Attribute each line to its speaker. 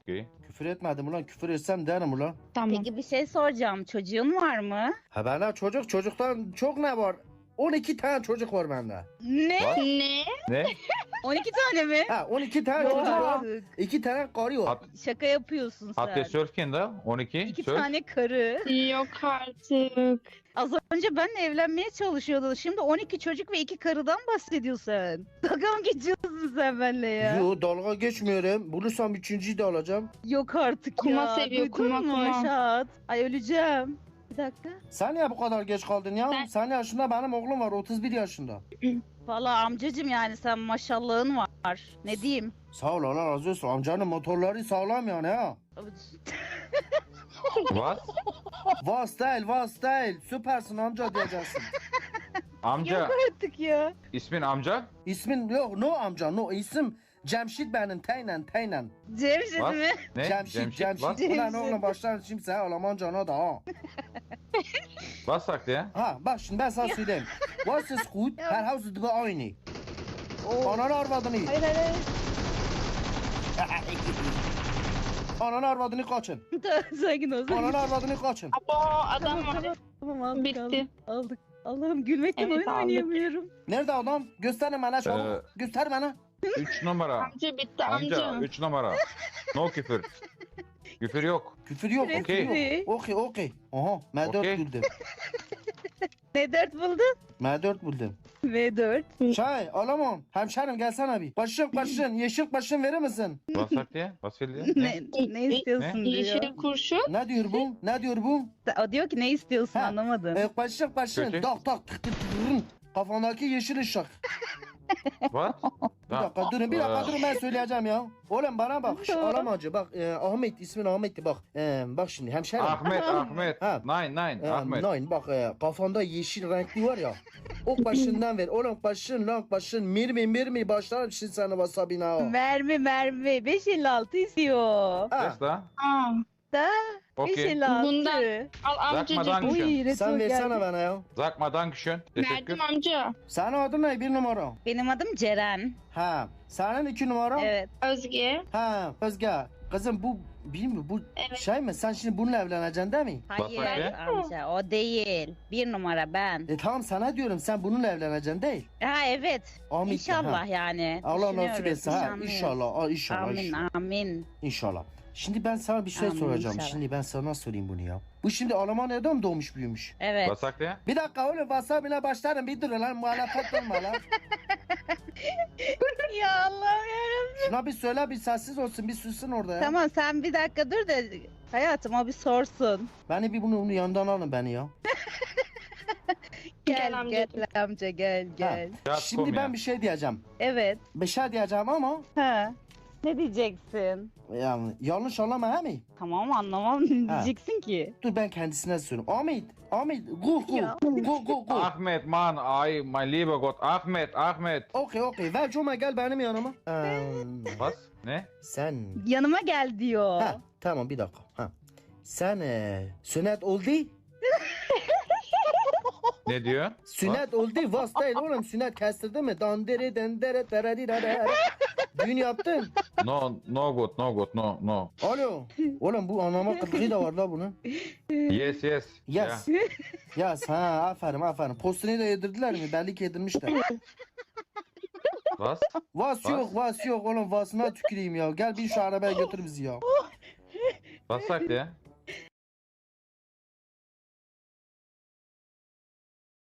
Speaker 1: Okay.
Speaker 2: Küfür etmedim ulan. Küfür etsem derim ulan.
Speaker 3: Tamam.
Speaker 4: Peki bir şey soracağım. Çocuğun var mı?
Speaker 2: Ha bende çocuktan çok ne var? 12 tane çocuk var bende.
Speaker 4: Ne?
Speaker 1: What?
Speaker 3: Ne?
Speaker 1: Ne?
Speaker 4: 12 tane mi?
Speaker 2: Ha 12 tane
Speaker 4: Yok
Speaker 2: çocuk var.
Speaker 4: artık.
Speaker 2: 2 tane karı var.
Speaker 4: Şaka yapıyorsun sen.
Speaker 1: Hatta surfken de 12.
Speaker 4: 2
Speaker 1: Surf.
Speaker 4: tane karı.
Speaker 3: Yok artık.
Speaker 4: Az önce benle evlenmeye çalışıyordun. Şimdi 12 çocuk ve 2 karıdan bahsediyorsun. Dalga mı geçiyorsun sen benimle ya?
Speaker 2: Yo dalga geçmiyorum. Bulursam 3.'yü de alacağım.
Speaker 4: Yok artık
Speaker 3: Kuma
Speaker 4: ya.
Speaker 3: seviyor,
Speaker 4: Duydun
Speaker 3: kuma,
Speaker 4: mu
Speaker 3: kuma.
Speaker 4: Şahat? Ay öleceğim. Bir dakika.
Speaker 2: Sen niye bu kadar geç kaldın ya?
Speaker 3: Ben-
Speaker 2: Senin yaşında benim oğlum var 31 yaşında.
Speaker 4: Vallahi amcacım yani sen maşallahın var. Ne diyeyim?
Speaker 2: Sağ ol Allah razı olsun. Amcanın motorları sağlam yani ha.
Speaker 1: What?
Speaker 2: Vas değil. Süpersin amca diyeceksin.
Speaker 1: Amca.
Speaker 4: Yok artık ya.
Speaker 1: İsmin amca?
Speaker 2: İsmin yok no amca no isim Cemşit benim teynen.
Speaker 4: Cemşit
Speaker 1: What?
Speaker 4: mi?
Speaker 1: Ne?
Speaker 2: Cemşit.
Speaker 1: What?
Speaker 2: Ulan oğlum başlar şimdi sen Almancana da ha.
Speaker 1: Was sagt er?
Speaker 2: Ha bak şimdi ben sana söyleyeyim. Was ist gut? Her Haus gibi aynı. Ananı arvadını.
Speaker 4: Hayır hayır hayır.
Speaker 2: Ananı arvadını kaçın.
Speaker 4: Tamam, sakin ol. sakin ol.
Speaker 2: Ananı arvadını kaçın.
Speaker 3: Abo adam var.
Speaker 4: Tamam aldık,
Speaker 3: Bitti.
Speaker 4: aldık. Allah'ım gülmekten
Speaker 3: Evet,
Speaker 4: oyun
Speaker 3: aldık.
Speaker 4: oynayamıyorum.
Speaker 2: Nerede adam? Gösterin bana çabuk. Göster bana.
Speaker 1: 3 numara.
Speaker 3: Amca bitti
Speaker 1: Amca
Speaker 3: amca.
Speaker 1: 3 numara. No küfür. Küfür yok.
Speaker 2: Küfür yok.
Speaker 4: Küfür
Speaker 2: Küfür
Speaker 4: etme.
Speaker 2: yok. Okey. Aha M4
Speaker 1: Okey.
Speaker 2: buldum.
Speaker 4: Ne dert buldun?
Speaker 2: M4 buldum.
Speaker 4: V4.
Speaker 2: Çay alamam. Hemşerim gelsene bir. Başın yeşil başın verir misin?
Speaker 1: Was sagt er? Was will er? Ne?
Speaker 4: Ne istiyorsun diyor.
Speaker 3: Yeşil kurşun.
Speaker 2: Ne diyor bu? Ne diyor bu?
Speaker 4: O diyor ki ne istiyorsun
Speaker 2: Ha.
Speaker 4: anlamadım.
Speaker 2: Başın
Speaker 1: Kötü.
Speaker 2: tak tak tık tık tık. Kafandaki yeşil ışık.
Speaker 1: What?
Speaker 2: Bir dakika durun ben söyleyeceğim ya. Oğlum bana bak. Alamacı bak Ahmet ismin Ahmet'ti bak. Bak şimdi hemşerim.
Speaker 1: Ahmet.
Speaker 2: Ha.
Speaker 1: Nein, Ahmet.
Speaker 2: Nein bak kafanda yeşil renkli var ya. Ok başından ver. Oğlum başın. Mirmi başlarım şimdi sana wasabina. Ha.
Speaker 4: Mermi 556 istiyor.
Speaker 1: Das da?
Speaker 3: Aa.
Speaker 4: Da
Speaker 1: Okay.
Speaker 4: 556.
Speaker 3: Bundan- Al
Speaker 1: Zakma
Speaker 3: amcacık.
Speaker 1: danke.
Speaker 4: Uy retro
Speaker 2: Sen versene
Speaker 4: geldi.
Speaker 2: bana ya.
Speaker 1: Sag mal Dankeschön. Teşekkür.
Speaker 3: Verdim amca.
Speaker 2: Senin adın ne? Bir numara.
Speaker 4: Benim adım Ceren.
Speaker 2: Ha. Senin 2 numara.
Speaker 4: Evet.
Speaker 3: Özge.
Speaker 2: Ha. Özge. Kızım bu bilmiyorum bu
Speaker 3: Evet.
Speaker 2: şey mi? Sen şimdi bununla evleneceksin değil mi?
Speaker 4: Hayır
Speaker 1: Bak
Speaker 4: amca o değil. Bir numara ben.
Speaker 2: Tamam sana diyorum sen bununla evleneceksin değil.
Speaker 4: Ha evet.
Speaker 2: Amin.
Speaker 4: İnşallah
Speaker 2: Ha.
Speaker 4: yani.
Speaker 2: Allah nasip
Speaker 4: Düşünüyoruz,
Speaker 2: etsin ha.
Speaker 4: nişanlıyız.
Speaker 2: İnşallah. İnşallah.
Speaker 4: Amin amin.
Speaker 2: İnşallah. Şimdi ben sana bir şey
Speaker 4: Amin,
Speaker 2: soracağım.
Speaker 4: inşallah.
Speaker 2: Şimdi ben sana sorayım bunu ya. Bu şimdi Almanya'da mı doğmuş büyümüş?
Speaker 4: Evet.
Speaker 1: Was sagt er?
Speaker 2: Bir dakika oğlum WhatsApp'ına başlarım bir dur lan muhalefet olma lan.
Speaker 4: Ya Allah'ım yarabbim.
Speaker 2: Şuna bir söyle bir sessiz olsun bir sussun orada ya.
Speaker 4: Tamam sen bir dakika dur da hayatım o bir sorsun.
Speaker 2: Beni bir bunu yandan alın beni ya.
Speaker 3: Gel
Speaker 4: Gel
Speaker 3: amcacığım.
Speaker 4: amca gel gel.
Speaker 1: Ya,
Speaker 2: Şimdi
Speaker 1: kom ya.
Speaker 2: ben bir şey diyeceğim.
Speaker 4: Evet.
Speaker 2: Bir şey diyeceğim ama
Speaker 4: Ha. Ne diyeceksin?
Speaker 2: yani yanlış anlama he mi?
Speaker 4: Tamam anlamam ne
Speaker 2: Ha.
Speaker 4: diyeceksin ki?
Speaker 2: Dur ben kendisine sorayım. Ahmet go.
Speaker 4: Ya.
Speaker 2: Go.
Speaker 1: Ahmet man, ay mein lieber Gott. Ahmet.
Speaker 2: Okey ver Cuma gel benim yanıma.
Speaker 1: Was? Ne?
Speaker 2: Sen
Speaker 4: Yanıma gel diyor.
Speaker 2: ha tamam bir dakika. Ha. Sen sünnet oldu.
Speaker 1: Ne diyor?
Speaker 2: Sünnet oldu. Vas değil oğlum sünnet kestirdi mi? Dandere dendere tereri. Düğün yaptın.
Speaker 1: No good, no.
Speaker 2: Alo. Oğlum bu anlama kıtlığı da var la bunun.
Speaker 1: Yes.
Speaker 2: Yes.
Speaker 1: Ya.
Speaker 2: Yes ha aferin. Postunu da yedirdiler mi? Belli ki yedirmişler.
Speaker 1: Was?
Speaker 2: Vas yok oğlum vasına tüküreyim ya. Gel bin şu arabaya götür bizi ya.
Speaker 1: Was sagt er?